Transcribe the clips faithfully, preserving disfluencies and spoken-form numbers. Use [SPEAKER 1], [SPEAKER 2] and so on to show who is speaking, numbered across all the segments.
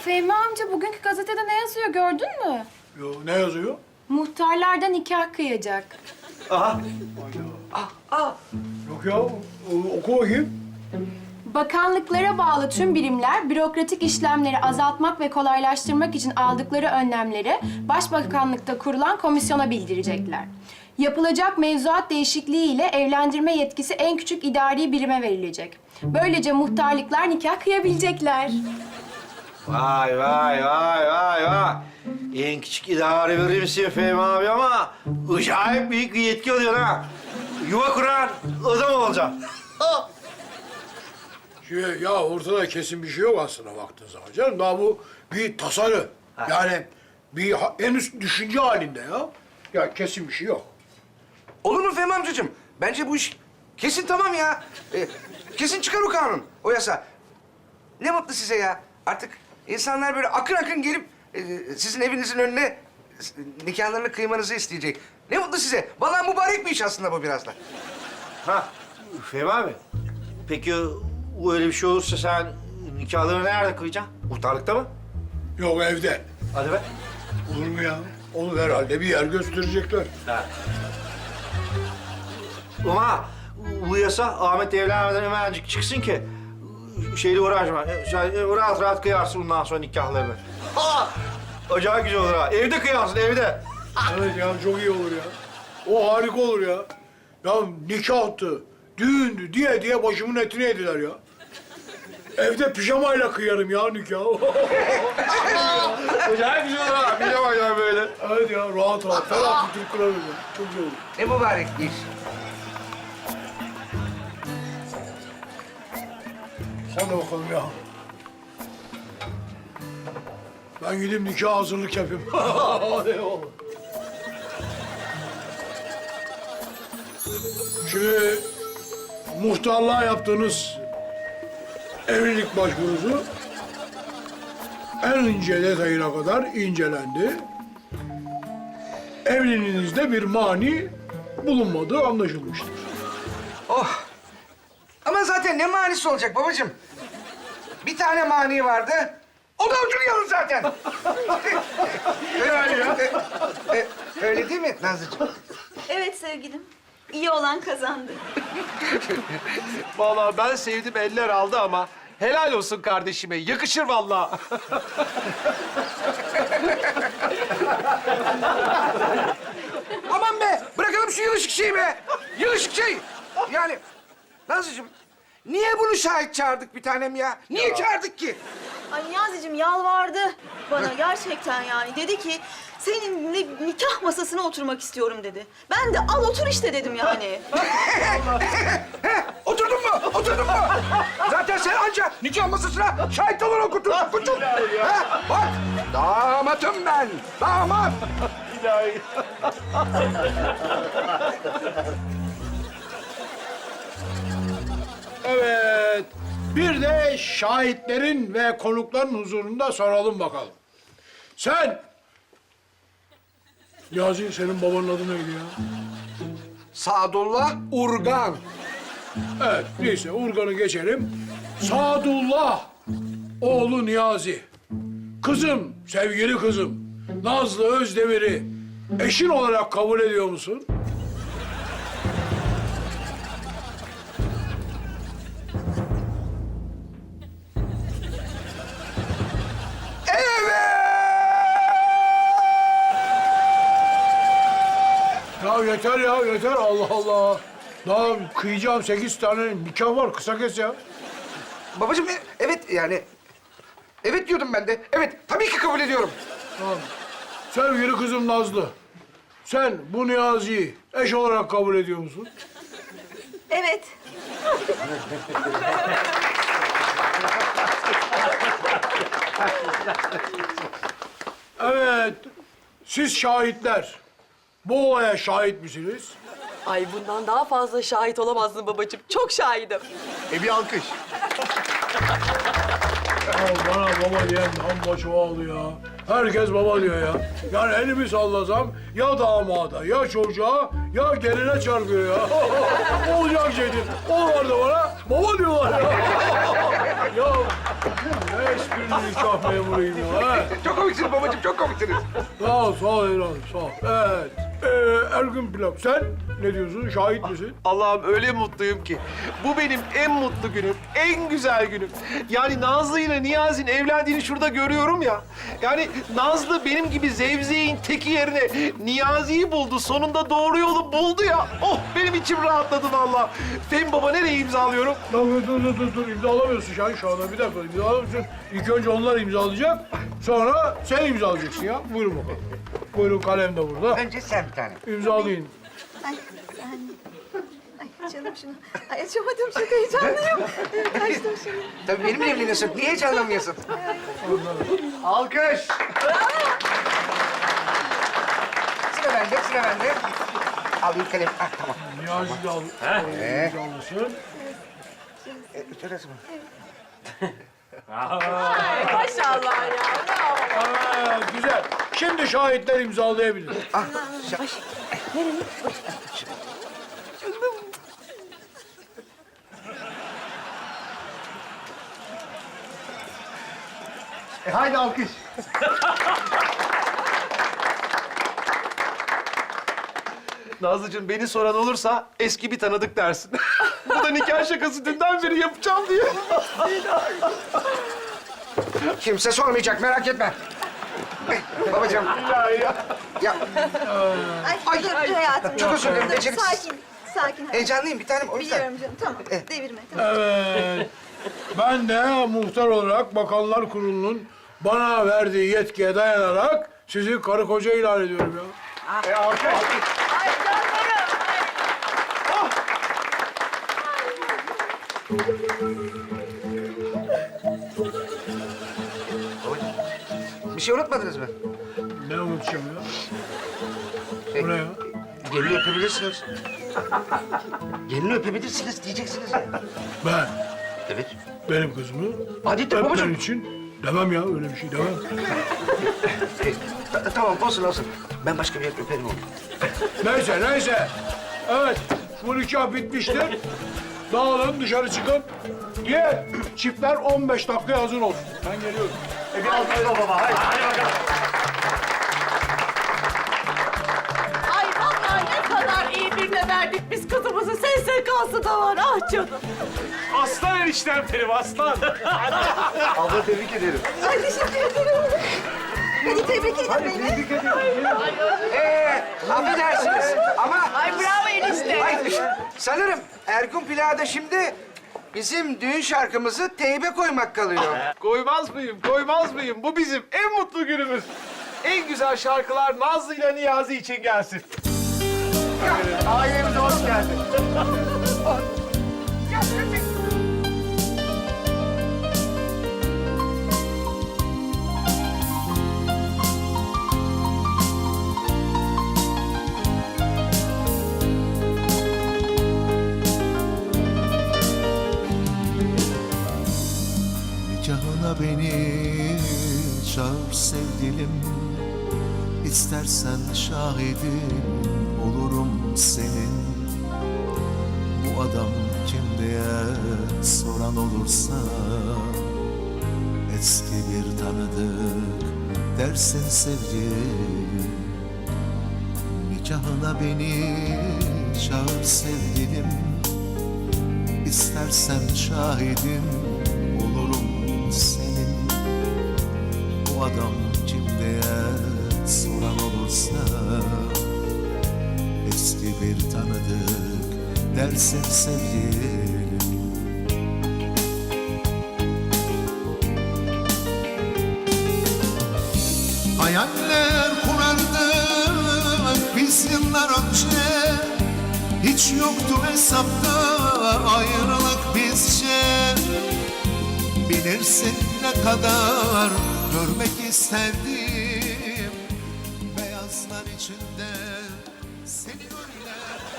[SPEAKER 1] Fehmi amca bugünkü gazetede ne yazıyor gördün mü?
[SPEAKER 2] Yo, ne yazıyor?
[SPEAKER 1] Muhtarlardan nikah kıyacak.
[SPEAKER 3] Aha.
[SPEAKER 2] Yok ya, o- oku bakayım.
[SPEAKER 1] Bakanlıklara bağlı tüm birimler bürokratik işlemleri azaltmak ve kolaylaştırmak için aldıkları önlemleri Başbakanlıkta kurulan komisyona bildirecekler. Yapılacak mevzuat değişikliği ile evlendirme yetkisi en küçük idari birime verilecek. Böylece muhtarlıklar nikah kıyabilecekler.
[SPEAKER 3] Vay vay vay vay vay. En küçük idare birimsin Fehmi abi ama acayip büyük bir yetki alıyorsun ha. Yuva kuran adam olacaksın.
[SPEAKER 2] Şimdi ya ortada kesin bir şey yok aslında baktığın zaman canım. Daha bu bir tasarı.
[SPEAKER 3] Ha.
[SPEAKER 2] Yani bir ha- en üst düşünce halinde ya. Ya kesin bir şey yok.
[SPEAKER 4] Olur mu Fehmi amcacığım? Bence bu iş kesin tamam ya. Ee, kesin çıkar o kanun, o yasa. Ne mutlu size ya. Artık insanlar böyle akın akın gelip e, sizin evinizin önüne e, nikahlarını kıymanızı isteyecek. Ne mutlu size. Vallahi mübarek bir iş aslında bu biraz da.
[SPEAKER 3] Ha Fehmi abi. Peki o öyle bir şey olursa sen nikahlarını nerede kıyacaksın? Muhtarlıkta mı?
[SPEAKER 2] Yok evde.
[SPEAKER 3] Hadi be.
[SPEAKER 2] Olur mu ya? Onu herhalde bir yer gösterecekler.
[SPEAKER 3] Ha. Ama bu yasa Ahmet evlenmeden hemencik çıksın ki şeyle uğraşma. Sen rahat rahat kıyarsın bundan sonra nikahlarını. Ha! Acayip güzel olur ha. Evde kıyarsın, evde.
[SPEAKER 2] Evet ya çok iyi olur ya. O harika olur ya. Ya nikahtı, düğündü diye diye başımın etini yediler ya. Evde pijamayla kıyarım ya nikahı.
[SPEAKER 3] Acayip güzel olur ha. Bir de bak ya böyle.
[SPEAKER 2] Evet ya rahat rahat ferah bir Türk kurarım ya. Çok iyi olur.
[SPEAKER 4] Ne mübarek bir iş.
[SPEAKER 2] Hadi bakalım ya. Ben gideyim nikah hazırlık yapayım. Hadi oğlum. Şimdi muhtarlığa yaptığınız evlilik başvurusu en ince detayına kadar incelendi. Evliliğinizde bir mani bulunmadığı anlaşılmıştır.
[SPEAKER 4] Oh. Ama zaten ne manisi olacak babacığım? Bir tane mani vardı. O da ucunu yalın zaten. öyle, ya. öyle değil mi Nazlıcığım?
[SPEAKER 5] Evet sevgilim. İyi olan kazandı.
[SPEAKER 6] Vallahi ben sevdim eller aldı ama helal olsun kardeşime. Yakışır vallahi.
[SPEAKER 4] Aman be! Bırakalım şu yılışık şeyi be! Yılışık şey! Yani Nazlıcığım, niye bunu şahit çağırdık bir tanem ya? Niye çağırdık ki?
[SPEAKER 5] Ay Niyazi'cim yalvardı bana gerçekten yani. Dedi ki seninle nikah masasına oturmak istiyorum dedi. Ben de al otur işte dedim yani.
[SPEAKER 4] He, oturdun mu? Oturdun mu? Zaten sen anca nikah masasına şahit olur okutun. Okutun. He, bak, damatım ben. Damat.
[SPEAKER 2] Evet. Bir de şahitlerin ve konukların huzurunda soralım bakalım. Sen... Niyazi, senin babanın adı neydi ya?
[SPEAKER 4] Sadullah Urgan.
[SPEAKER 2] Evet, neyse Urgan'ı geçelim. Sadullah, oğlu Niyazi. Kızım, sevgili kızım, Nazlı Özdemir'i eşin olarak kabul ediyor musun? Ya yeter ya, yeter. Allah Allah. Daha kıyacağım sekiz tane nikah var. Kısa kes ya.
[SPEAKER 4] Babacığım, e- evet yani. Evet diyordum ben de. Evet, tabii ki kabul ediyorum.
[SPEAKER 2] Tamam. Sevgili kızım Nazlı, sen bu Niyazi'yi eş olarak kabul ediyor musun?
[SPEAKER 5] Evet.
[SPEAKER 2] Evet. Siz şahitler, bu olaya şahit misiniz?
[SPEAKER 7] Ay bundan daha fazla şahit olamazdın babacığım. Çok şahidim.
[SPEAKER 6] E bir alkış.
[SPEAKER 2] Ya bana baba diyen amma çoğaldı ya. Herkes baba diyor ya. Yani elimi sallasam ya damada, ya çocuğa, ya geline çarpıyor ya. Olacak şey değil. Onlar da bana baba diyorlar ya. Ya ne esprili nikah memuruyum ya. Ha?
[SPEAKER 4] Çok komiksiniz babacığım, çok komiksiniz.
[SPEAKER 2] Sağ ol, sağ ol evladım, sağ ol. Evet. Ee, Ergün Pilav, sen ne diyorsun? Şahit misin?
[SPEAKER 6] Allah'ım öyle mutluyum ki. Bu benim en mutlu günüm, en güzel günüm. Yani Nazlı ile Niyazi'nin evlendiğini şurada görüyorum ya. Yani Nazlı benim gibi zevzeğin teki yerine Niyazi'yi buldu. Sonunda doğru yolu buldu ya. Oh benim içim rahatladı vallahi. Fehmi Baba nereye imzalıyorum?
[SPEAKER 2] Dur, dur, dur, dur, dur. İmzalamıyorsun Şahin şu anda. Bir dakika, imzalamıyorsun. İlk önce onlar imzalayacak, sonra sen imzalayacaksın ya. Buyurun bakalım. Buyurun, kalem de burada.
[SPEAKER 4] Önce sen bir tane.
[SPEAKER 2] İmzalayın.
[SPEAKER 5] Ay sen... Ay canım şunu. Ay açamadım, çok heyecanlıyım. Kaçtım şimdi.
[SPEAKER 4] Tabii benimle evleniyorsun. Niye heyecanlanmıyorsun? Alkış. Sıra bende, sıra bende. Al bir kalem. Ah, tamam.
[SPEAKER 2] Niyazi de al.
[SPEAKER 4] Ee?
[SPEAKER 2] İmzalasın.
[SPEAKER 4] E, şurası mı?
[SPEAKER 7] Maşallah ya. Bravo.
[SPEAKER 2] Aa, güzel. Şimdi şahitler imzalayabilir.
[SPEAKER 4] Ah, şa- E, haydi alkış.
[SPEAKER 6] Nazlıcığım beni soran olursa eski bir tanıdık dersin. Bu da nikah şakası dünden beri yapacağım diye.
[SPEAKER 4] Kimse sormayacak, merak etme. Eh, Babacığım.
[SPEAKER 6] Ya ya.
[SPEAKER 4] Ya,
[SPEAKER 5] Ay, dur, dur hayatım.
[SPEAKER 4] çok özür dilerim,
[SPEAKER 5] Dur,
[SPEAKER 4] beceriksiz.
[SPEAKER 5] Sakin, sakin.
[SPEAKER 4] heyecanlıyım bir tanem o yüzden.
[SPEAKER 5] Biliyorum canım, tamam. Devirme, tamam.
[SPEAKER 2] Evet. Ben de muhtar olarak Bakanlar Kurulu'nun bana verdiği yetkiye dayanarak sizi karı koca ilan ediyorum ya.
[SPEAKER 4] E, alkış. Bir şey unutmadınız mı?
[SPEAKER 2] Ne unutacağım ya?
[SPEAKER 4] E,
[SPEAKER 2] Bu ne ya?
[SPEAKER 4] Gelini öpebilirsiniz. Gelini öpebilirsiniz diyeceksiniz ya.
[SPEAKER 2] Ben
[SPEAKER 4] Evet.
[SPEAKER 2] benim kızımı
[SPEAKER 4] Hadi de
[SPEAKER 2] öpmen
[SPEAKER 4] babacığım.
[SPEAKER 2] için demem ya, öyle bir şey demem.
[SPEAKER 4] E, ta- tamam olsun olsun. Ben başka bir yer öperim onu.
[SPEAKER 2] Neyse, neyse. Evet, bu nikah bitmiştir. Dağılın, dışarı çıkın. Diğer çiftler on beş dakikaya hazır olsun. Ben geliyorum.
[SPEAKER 3] E, bir alkışla baba. Haydi, hadi bakalım.
[SPEAKER 7] Ay vallahi ne kadar iyi birine verdik biz kızımızı. S S K'sı da var. Ah canım.
[SPEAKER 6] Aslan eniştem benim aslan.
[SPEAKER 3] Abla tebrik ederim.
[SPEAKER 5] Ay teşekkür ederim. Hadi tebrik edin beni.
[SPEAKER 4] Ee, affedersiniz ama...
[SPEAKER 7] Ay bravo enişte.
[SPEAKER 4] Ay, sanırım Ergun Plağ'da şimdi bizim düğün şarkımızı teybe koymak kalıyor.
[SPEAKER 6] Koymaz mıyım, koymaz mıyım? Bu bizim en mutlu günümüz. En güzel şarkılar Nazlı ile Niyazi için gelsin.
[SPEAKER 4] Ailemize hoş geldin.
[SPEAKER 8] Nikahına beni çağır sevgilim, İstersen şahidim olurum senin. Bu adam kim diye soran olursa, eski bir tanıdık dersin sevgilim. Nikahına beni çağır sevgilim, İstersen şahidim olurum senin. Bu adam kim diye soran olursa, eski bir tanıdık dersin sevgilim. Hayaller kurardık biz yıllar önce, hiç yoktu hesapta ayrılık bizce. Bilirsin ne kadar görmek isterdim beyazlar içinde seni öyle.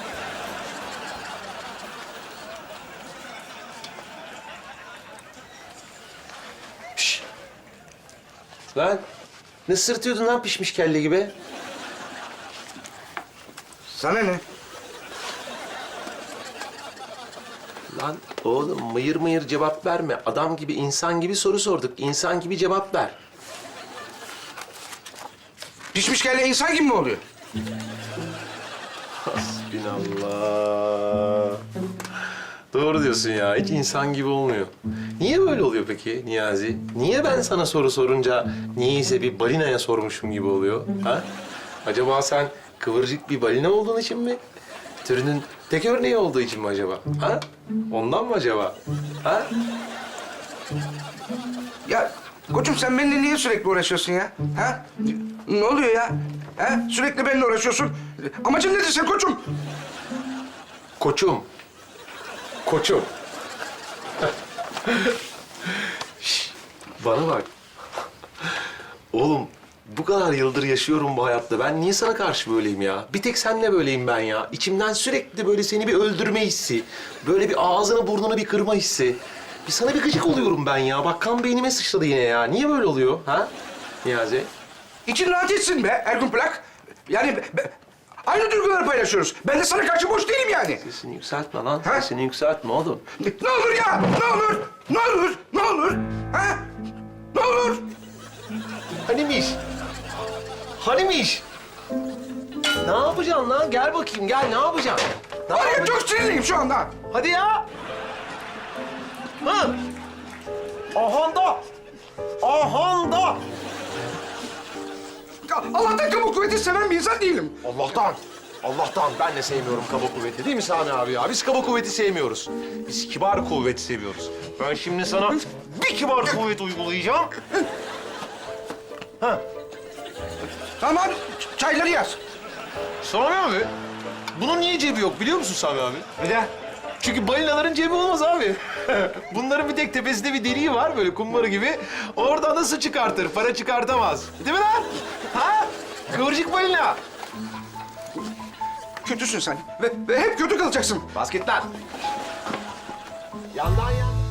[SPEAKER 9] Lan ne sırtıyordun lan pişmiş kelle gibi?
[SPEAKER 4] Sana ne?
[SPEAKER 9] Lan oğlum mıyır mıyır cevap verme. Adam gibi, insan gibi soru sorduk. İnsan gibi cevap ver.
[SPEAKER 4] Pişmiş kelle insan gibi mi oluyor?
[SPEAKER 9] Hasbinallah. Doğru diyorsun ya. Hiç insan gibi olmuyor. Niye böyle oluyor peki Niyazi? Niye ben sana soru sorunca niyeyse bir balinaya sormuşum gibi oluyor? Ha? Acaba sen kıvırcık bir balina olduğun için mi? Türünün tek örneği olduğu için mi acaba? Ha? Ondan mı acaba? Ha?
[SPEAKER 4] Ya koçum sen benimle niye sürekli uğraşıyorsun ya? Ha? Ne oluyor ya? Ha? Sürekli benimle uğraşıyorsun. Amacın nedir sen koçum?
[SPEAKER 9] Koçum. Koçum. Şş, bana bak. Oğlum bu kadar yıldır yaşıyorum bu hayatta. Ben niye sana karşı böyleyim ya? Bir tek seninle böyleyim ben ya. İçimden sürekli böyle seni bir öldürme hissi. Böyle bir ağzını burnunu bir kırma hissi. Bir sana bir gıcık oluyorum ben ya. Bak kan beynime sıçradı yine ya. Niye böyle oluyor ha Niyazi?
[SPEAKER 4] İçin rahat etsin be Ergun Plak. Yani be- be- aynı duyguları paylaşıyoruz. Ben de sana karşı boş değilim yani.
[SPEAKER 9] Sesini yükseltme lan.
[SPEAKER 4] Ha?
[SPEAKER 9] Sesini yükseltme oğlum.
[SPEAKER 4] Ne, ne olur ya? Ne olur? Ne olur? Ne olur? Ha? Ne olur?
[SPEAKER 9] Hanimiş? Hanimiş? Ne yapacaksın lan? Gel bakayım gel. Ne yapacaksın? Ne
[SPEAKER 4] Var ya
[SPEAKER 9] yapacaksın?
[SPEAKER 4] çok sinirliyim şu anda.
[SPEAKER 9] Hadi ya. Hı. Ahanda. Ahanda.
[SPEAKER 4] Allah'tan kamu kuvveti seven bir insan değilim.
[SPEAKER 9] Allah'tan. Allah'tan ben de sevmiyorum kaba kuvveti değil mi Sami abi ya? Biz kaba kuvveti sevmiyoruz. Biz kibar kuvveti seviyoruz. Ben şimdi sana bir kibar kuvvet uygulayacağım.
[SPEAKER 4] Tamam çayları yaz.
[SPEAKER 9] Sami abi, bunun niye cebi yok biliyor musun Sami abi?
[SPEAKER 4] Neden?
[SPEAKER 9] Çünkü balinaların cebi olmaz abi. Bunların bir tek tepesinde bir deliği var böyle kumbara gibi. Oradan da su çıkartır, para çıkartamaz. Değil mi lan? Ha? Kıvırcık balina.
[SPEAKER 4] Kötüsün sen ve, ve hep kötü kalacaksın.
[SPEAKER 9] Basket lan. Yandan yandan.